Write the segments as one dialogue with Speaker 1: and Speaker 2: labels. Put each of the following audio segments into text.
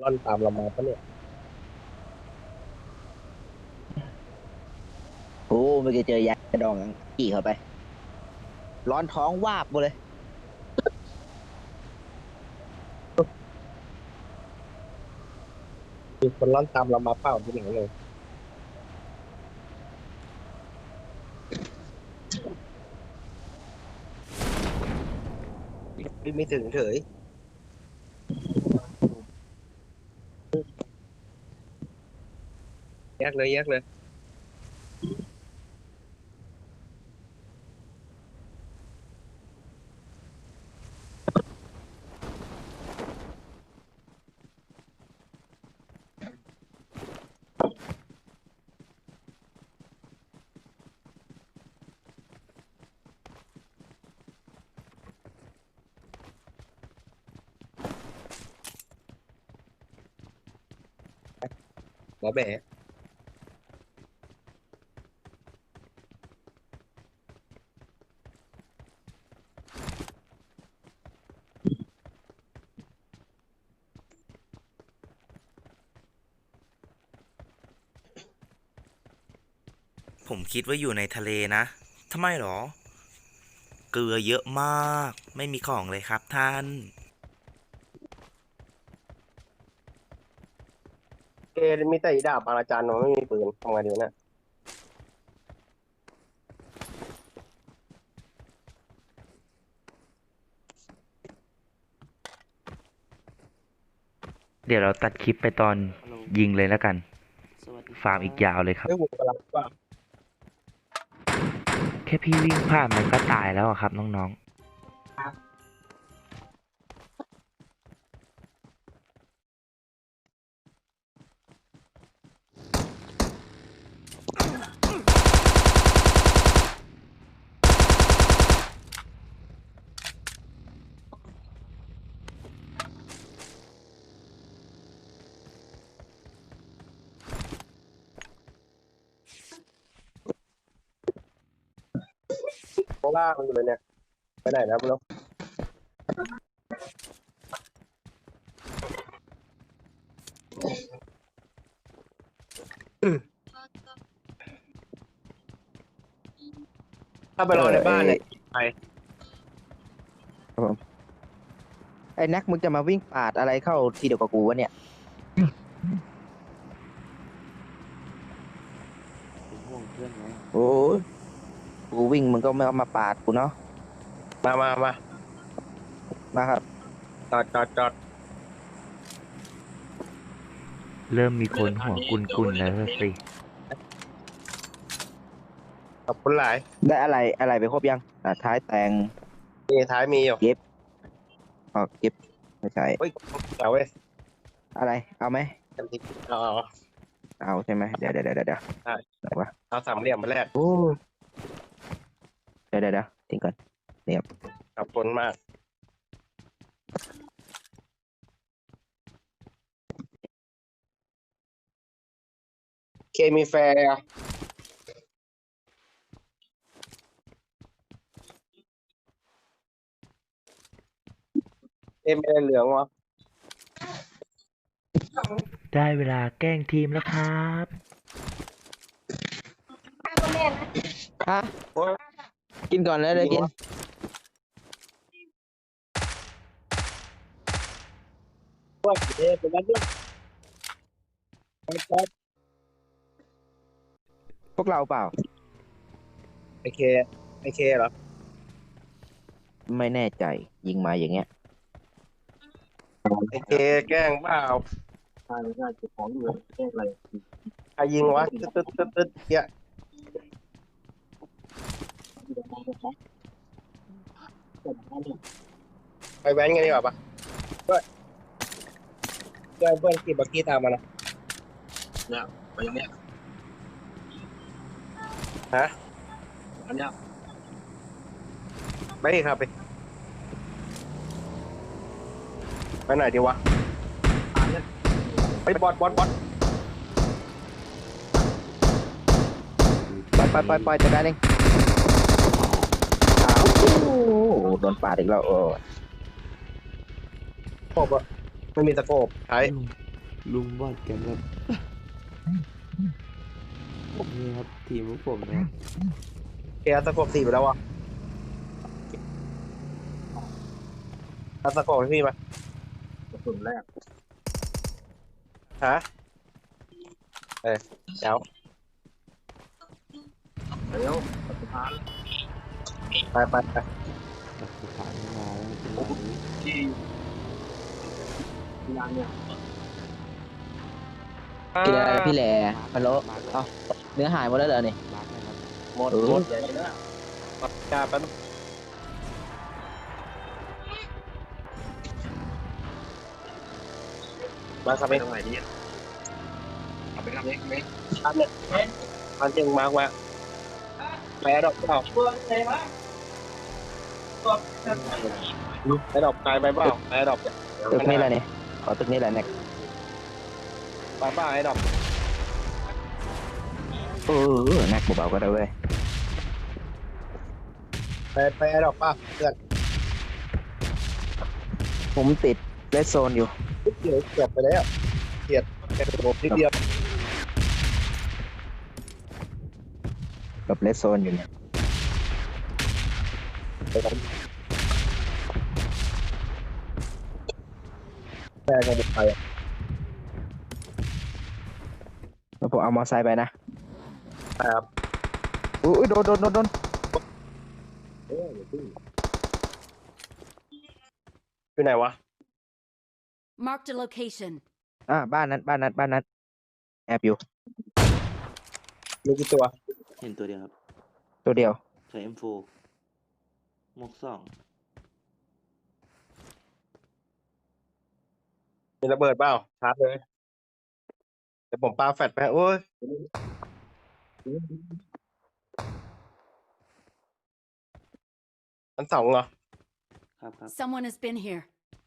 Speaker 1: ร่อนตามเรามาปะเนี่ย
Speaker 2: โอ้ไม่เคยเจอยาดองกี่เข้าไปร้อนท้องวาบหมดเลย
Speaker 1: มีคนร่อนตามเรามาเปล่าที่ไหนเลยไม่ถึงเฉยแยกเลยแยกเลยหมอแบะ
Speaker 3: ผมคิดว่าอยู่ในทะเลนะทำไมหรอเกลือเยอะมากไม่มีของเลยครับท่าน
Speaker 1: เอมีแต่อีดาบอาจารย์มันไม่มีปืนทำไงดีวะเนี่ย
Speaker 4: เดี๋ยวเราตัดคลิปไปตอนยิงเลยแล้วกัน ฟาร์มอีกยาวเลยครับ
Speaker 1: เฮ้ยผมกำลังว่า
Speaker 4: แค่พี่วิ่งผ่านมันก็ตายแล้วอะครับน้อง
Speaker 1: ข้างล่างมันอยู่เลยเนี่ยไปไหนนะไม่รู้ถ้าไปรอในบ้านเนี่ยไป
Speaker 2: ไอ้นักมึงจะมาวิ่งปาดอะไรเข้าทีเดียวกับกูวะเนี่ยโอ้ยกูวิ่งมึงก็ไม่เอามาปาดกูเนาะ
Speaker 1: มา
Speaker 2: มาครับ
Speaker 1: จอด
Speaker 4: ๆ เริ่มมีคนหัวกุนๆแล้วสิ
Speaker 1: ขอบคุณหลาย
Speaker 2: ได้อะไรไปครบยังท้ายแต่ง
Speaker 1: มีท้ายมีอยู่
Speaker 2: เก็บไม่ใช่
Speaker 1: เฮ้ยเอาเว้ย
Speaker 2: อะไรเอาไหม
Speaker 1: กันทีเอา
Speaker 2: เอาใช่ไหมเดี๋ยวไหนวะ
Speaker 1: เอาสามเหลี่ยมมาแรก
Speaker 2: โอ้เดี๋ยวทิ้งก่อน
Speaker 1: ขอบคุณมากเคมีแฟร์ไม่ได้เหลืองวะ
Speaker 4: ได้เวลาแกล้งทีมแล้วครับ
Speaker 2: ฮะ
Speaker 1: โอ้ย
Speaker 2: กินก่อนแล้วเลยกิน
Speaker 1: ว่าเป็นแล้วด้วย
Speaker 2: พวกเราเปล่า
Speaker 1: ไอเคเหรอ
Speaker 2: ไม่แน่ใจยิงมาอย่างเงี้ย
Speaker 1: ไอเคแกล้งเปล่าใช่เก็บของอยู่แกล้งอะไรใครยิงวะตึ๊ดเนี่ยไปแว้นกันดีกว่าปะเพื่อนขี่บักกี้ตามมานะเนี่ยไปยังเนี้ยฮะอันเนี้ยไปครับไปไหนดีวะไปบอด
Speaker 2: ปล่อยจัดการเองอ้าวโอ้โหโดนปาดอีกแล้ว
Speaker 1: สโคบอะไม่มีสโคบใช้
Speaker 5: ลุมบอดกันแบบนี่ครับทีมพวกผมนะครับ
Speaker 1: เคสกบ4ไปแล้วอ่ะเอาสกบให้พี่มากระสุนแรกฮะเดี๋ยวไป
Speaker 5: หลักฐานมาแล้วจังหวะนี้
Speaker 2: กินอะไรนะพี่แหล่
Speaker 5: มาร์ค
Speaker 2: ฮัลโหล
Speaker 5: มาร์ค
Speaker 2: เอ้าเนื้อหายหมดแล้วเหรอนี่
Speaker 5: มาร์คนะครับ
Speaker 1: หมด
Speaker 2: เออ
Speaker 1: หมดใหญ่แล้วปากกาแป๊บมาครับไปทำไมดีเอาไปทำเล็กไหมทำเนี่ยทำจริงมากว่าแพ้ดอกเปล่าแพ้ดอกตายไปเปล่าแพ้ดอก
Speaker 2: ตึกนี่แหละนี่ขอตึกนี่แหละแน็ก
Speaker 1: ตายเปล่าไอ้ดอก
Speaker 2: แน็กเบาๆก็ได้เว้ย
Speaker 1: ไปไอ้ดอกเปล่าเพื่อน
Speaker 2: ผมติดเลสโซนอยู่
Speaker 1: เดี๋ยวเกือบไปแล้วเกียดแค่ระบบนิดเดียว
Speaker 2: กับเลสโซนอยู่เนี่ย
Speaker 1: ไปทำแพ้กันไปอ่ะ
Speaker 2: แล้วผมเอามอไซค์ไปนะ
Speaker 1: ครับ
Speaker 2: อุ้ยโดน
Speaker 1: อยู่ไหนวะ
Speaker 6: Marked a location.
Speaker 2: บ้านนั้นแอบอยู่
Speaker 1: มีกี่ตัว
Speaker 5: เห็นตัวเดียวครับ
Speaker 2: ตัวเดียว
Speaker 5: ใช้ M4 หมวก2
Speaker 1: มีระเบิดเปล่าชาร์จเลยเดี๋ยวผมปาแฟลชไปโอ้ยมัน2เหรอ
Speaker 5: ครับ
Speaker 6: Someone has been here.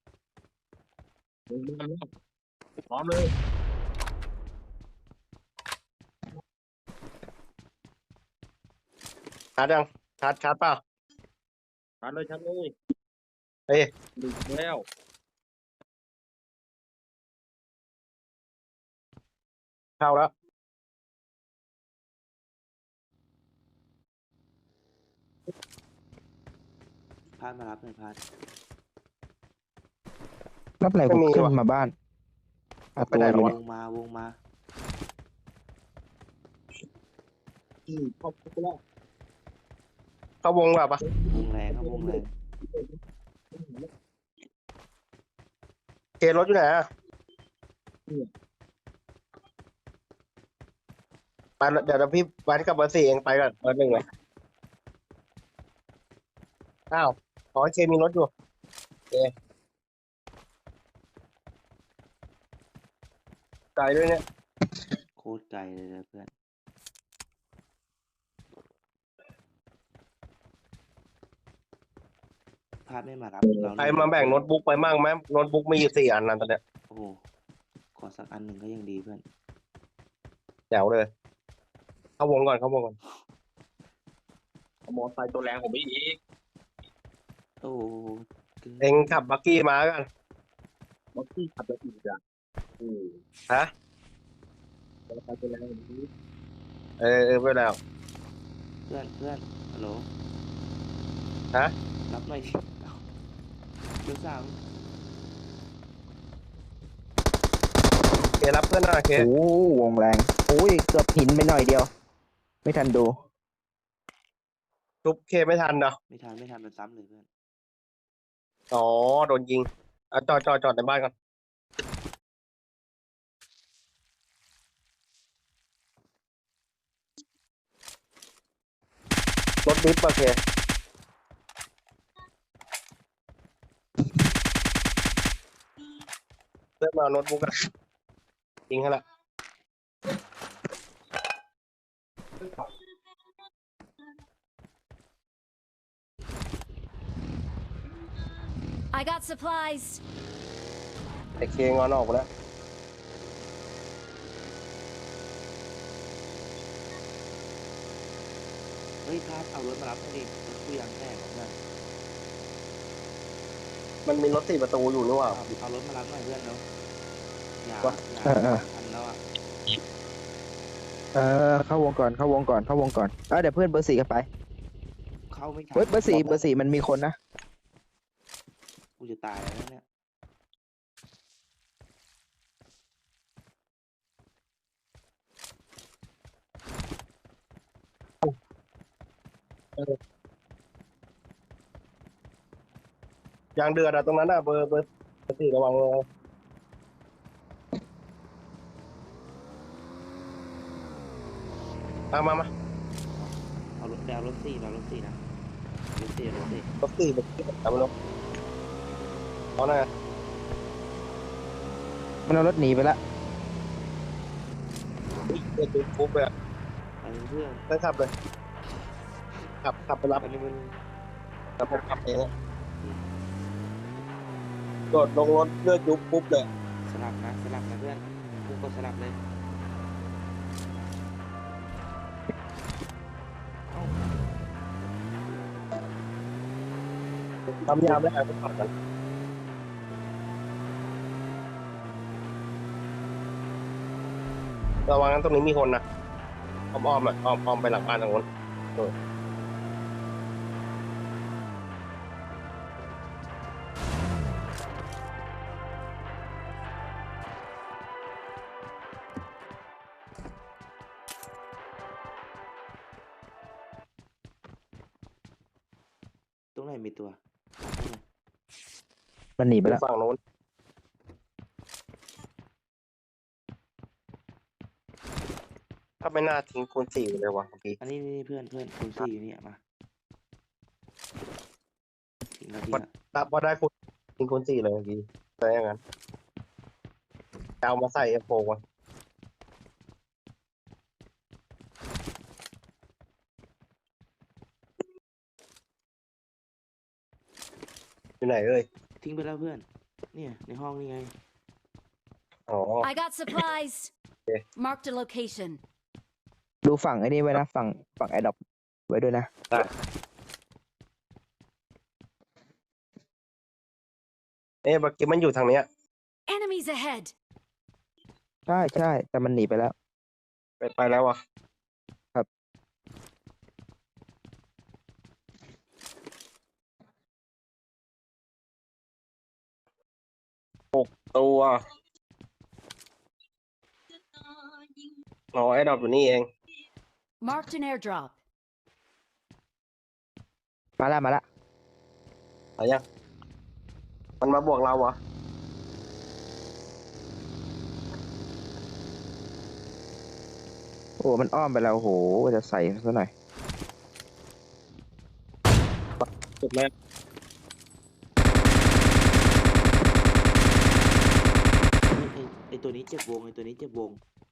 Speaker 1: พร้อมเลยชาร์จยังชาร์จเปล่าชาร์จเลยเฮ้ยดึกแล้วเข้าแล้ว
Speaker 5: พาดมารับหน่อยพาด
Speaker 2: รับอะไรผมขึ้นมาบ้านประ
Speaker 1: ไป
Speaker 2: ตู
Speaker 1: ไหน
Speaker 2: อ
Speaker 1: แล้ว
Speaker 2: ยู่
Speaker 1: วะ
Speaker 2: เนี่ยว
Speaker 5: งมา
Speaker 1: เข้าวงแบบปะ
Speaker 5: วงแรงครับวงแรง
Speaker 1: เครถอยู่ไหนอะไปเดี๋ยวพี่ไปกับเบอร์4เองไปก่อนเบอร์1เลยอ้าวขอให้เคมีรถอยู่โอเคไกลด้วยเนี่ย
Speaker 5: โคตรไกลเลยนะเพื่อนพาดไม่มารับเรา
Speaker 1: ใครมาแบ่งโน้ตบุ๊กไปมั่งไหมโน้ตบุ๊กมีอยู่4 อันนั่นตอนเนี้ย
Speaker 5: โอ้โหขอสักอันหนึ่งก็ยังดีเพื่อน
Speaker 1: แจ๋วเลยเข้าวงก่อนมอไซค์ตัวแรงผมไม่อีก
Speaker 5: โอ้โห
Speaker 1: เองขับบักกี้มากันบักกี้ขับแล้วอีกอ่ะฮะมอไซค์ตัวแรงผมนี้ไปแล้ว
Speaker 5: เพื่อนฮัลโหล
Speaker 1: ฮะ
Speaker 5: รับหน่อยดิเอ้าเดี๋ยว3
Speaker 1: เครับเพื่อนหน่อยเค
Speaker 2: วงแรงอุ้ยเกือบหินไปหน่อยเดียว ไม่ทันดู
Speaker 1: ทุบเคไม่ทันเนาะ
Speaker 5: ไม่ทันมันซ้ำเลยเพื่อน
Speaker 1: อ๋อโดนยิงจอดในบ้านก่อนรถดิฟโอเคเริ่มมาโน้ตบุ๊กกันยิงให้ละ
Speaker 6: I got supplies.
Speaker 1: ไอเคงอนออกไปแล้ว
Speaker 5: เฮ้ยพาดเอารถมารับหน่อยดิรถกูยางแตกเพื่อน
Speaker 1: มันมีรถ4 ประตูอยู่นี่หว่า
Speaker 5: เอารถมารับหน่อยเพื่อนเนาะอย่า
Speaker 1: ว่า
Speaker 5: อย่า
Speaker 2: เออ
Speaker 5: ทันแล้วอ่ะ
Speaker 2: เข้าวงก่อนเข้าวงก่อนเข้าวงก่อนเดี๋ยวเพื่อนเบอร์สี่กันไป
Speaker 5: เข้าไม่ทัน
Speaker 2: เฮ้ยเบอร์สี่มันมีคนนะ
Speaker 5: กูจะตายแล้วเนี่ย
Speaker 1: ยางเดือดอะตรงนั้นอะเบอร์ 4ระวังเลยมา
Speaker 5: เอารถไปเอารถสี่เอารถสี่นะรถสี่รถสี่
Speaker 1: เบอร์ 4เอามาลงเอาหน่อย
Speaker 2: มันเอารถหนีไปละ
Speaker 1: เพื่อนดูปุ๊บเลยอะ
Speaker 5: ไปเพื่อน
Speaker 1: ได้ขับเลยขับไปรับ
Speaker 5: อันนี้มัน
Speaker 1: แล้วผมขับเองอะโดดลงรถเลือดยุบปุ๊บเลย
Speaker 5: สลับนะเพื่อนกูกดสลับเลย
Speaker 1: ทำยามได้หายไปขับกันระวังนั้นตรงนี้มีคนนะอ้อมๆอ่ะอ้อมไปหลังบ้านทางโน้น
Speaker 5: ตรงไหนมีตัว
Speaker 2: มันหนีไป
Speaker 1: ไป
Speaker 2: แล้ว
Speaker 1: ฝั่งโน้นถ้าไม่น่าทิ้งคูณ 4ไปเลยวะเมื่อกี้
Speaker 5: อันนี้นี่เพื่อนคุณสี่อยู่เนี่ยมาทิ้งแล้วทิ้งละ
Speaker 1: ถ้าพอได้คูณทิ้งคูณ 4เลยเมื่อกี้แต่อย่างนั้นจะเอามาใส่เอฟโฟก่อนอยู่ไหนเอ่ย
Speaker 5: ทิ้งไปแล้วเพื่อน เนี่ยในห้องนี่ไง
Speaker 1: อ๋อ
Speaker 6: I got supplies.
Speaker 1: Okay.
Speaker 6: Marked a location.
Speaker 2: ดูฝั่งไอ้นี่ไว้นะฝั่งแอดดอปไว้ด้วยนะ
Speaker 1: เมื่อกี้มันอยู่ทางเนี้ย
Speaker 6: Enemies ahead.
Speaker 2: ใช่แต่มันหนีไปแล้ว
Speaker 1: ไปแล้วอ่ะ
Speaker 2: ครับ
Speaker 1: ตัวอ๋อไอ้ดอกอยู่นี่เอง
Speaker 6: Marked an airdrop.
Speaker 2: มาละ
Speaker 1: อะไรยังมันมาบวกเราเหรอ
Speaker 2: โอ้มันอ้อมไปแล้วโอ้โหจะใส่ซะหน่อย
Speaker 1: จุดแม่
Speaker 5: ไอตัวนี้เจ็บวงไอตัวนี้เจ็บวง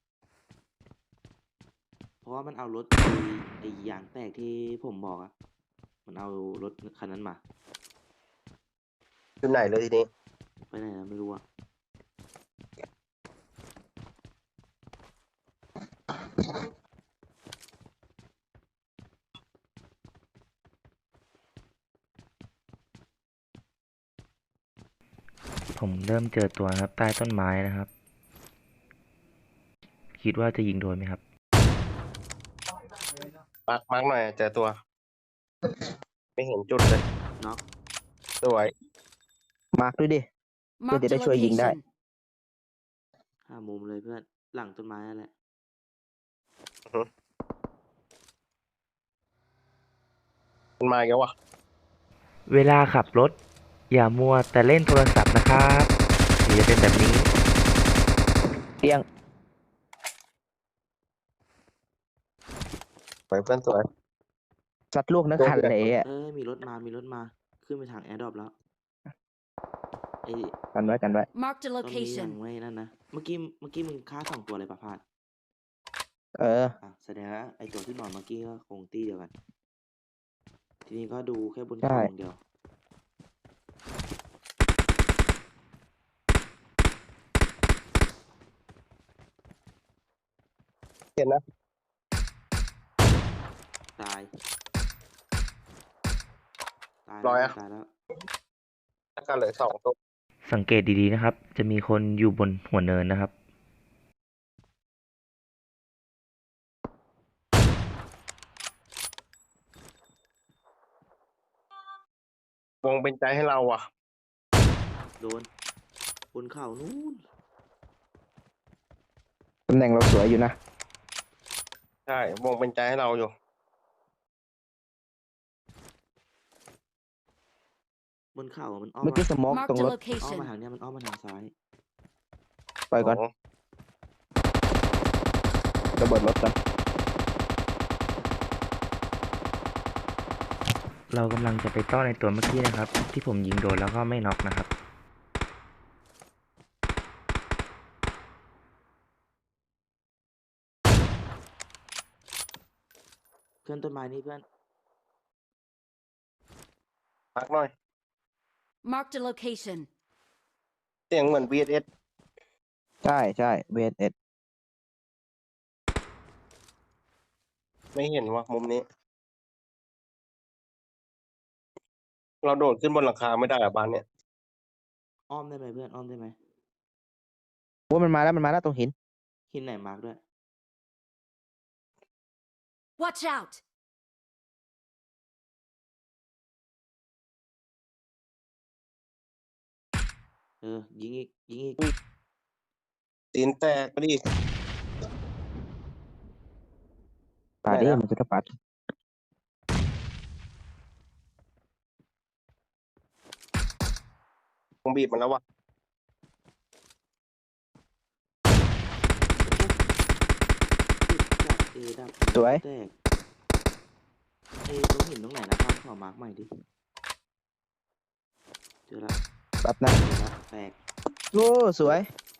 Speaker 5: เพราะว่ามันเอารถไอยางแตกที่ผมบอกอะมันเอารถคันนั้นมา
Speaker 1: อยู่ไหนเลยทีนี้
Speaker 5: ไปไหนแล้วไม่รู้อะ
Speaker 4: ผมเริ่มเจอตัวนะครับ ใต้ต้นไม้นะครับ คิดว่าจะยิงโดนไหมครับ
Speaker 1: มาร์กหน่อยเจอตัว ไม่เห็นจุดเลย
Speaker 5: น็อก
Speaker 1: สวย
Speaker 2: มาร์คด้วยดิ
Speaker 6: Marked a
Speaker 2: Did I show you that?
Speaker 6: location.
Speaker 5: หามุมเลยเพื่อน หลังต้นไม้นั่นแหละ
Speaker 1: มันมาอีกแล้ววะ
Speaker 4: เวลาขับรถ อย่ามัวแต่เล่นโทรศัพท์นะครับเดี๋ยวจะเป็นแบบนี้
Speaker 2: เตียง
Speaker 1: สวยเพื่อนสวย
Speaker 2: ซัดลูกนักขันเลยอ่ะ
Speaker 5: มีรถมา ขึ้นไปทางแอร์ดรอปแล้ว ไอ
Speaker 2: กันไว้
Speaker 6: Marked a
Speaker 5: ตรงนี้ยัง
Speaker 6: location.
Speaker 5: ไม่นั่นนะ เมื่อกี้มึงฆ่า2 ตัวเลยปะพาด แสดงว่าไอตัวที่นอนเมื่อกี้ก็คงตี้เดียวกัน ทีนี้ก็ดูแค่บน
Speaker 2: ใช่
Speaker 5: เขาอย่างเดียว
Speaker 1: เห็นนะ
Speaker 5: ตาย
Speaker 1: ร้อยอะ
Speaker 5: ตายแล้ว
Speaker 1: แล้วก็เหลือ2 ตัว
Speaker 4: สังเกตดีๆนะครับ จะมีคนอยู่บนหัวเนินนะครับ
Speaker 1: วงเป็นใจให้เราอ่ะ
Speaker 5: โดนบนเขานู้น
Speaker 2: ตำแหน่งเราสวยอยู่นะ
Speaker 1: ใช่วงเป็นใจให้เราอยู่
Speaker 5: บนเขามันอ้อม
Speaker 2: เมื่อกี้
Speaker 5: มา
Speaker 2: สโมองตรง
Speaker 6: Marked a
Speaker 2: รถ
Speaker 5: อ้อม
Speaker 6: location.
Speaker 5: มาทางเนี้ยมันอ้อมมาทางซ้าย
Speaker 2: ปล่อยก่อน
Speaker 1: โอ้
Speaker 2: ระเบิดรถก่อน
Speaker 4: เรากำลังจะไปต้อนในตัวเมื่อกี้นะครับ ที่ผมยิงโดนแล้วก็ไม่น็อกนะครับ
Speaker 5: เพื่อนต้นไม้นี่เพื่อน
Speaker 1: พักหน่อย
Speaker 6: Marked a location.
Speaker 1: เสียงเหมือน VSS
Speaker 2: ใช่ใช่ VSS
Speaker 1: ไม่เห็นว่ามุมนี้ เราโดดขึ้นบนหลังคาไม่ได้อะบ้านเนี่ย
Speaker 5: อ้อมได้ไหมเพื่อนอ้อมได้ไหม
Speaker 2: ว่ามันมาแล้วตรงหิน
Speaker 5: หินไหนมาร์กด้วย
Speaker 6: Watch out!
Speaker 5: ยิงอีกยิงอีก
Speaker 1: ตีนแตกไปดิ
Speaker 2: ป่าดิมันจะกระปัด
Speaker 1: วงบีบมันแล้ววะ
Speaker 5: ดับดับ
Speaker 2: สวย
Speaker 5: แตกตรงหินตรงไหนนะครับขอมาร์กใหม่ดิเจอละ
Speaker 2: แป๊บนะ
Speaker 5: เจอละแตก
Speaker 2: โอ้สวย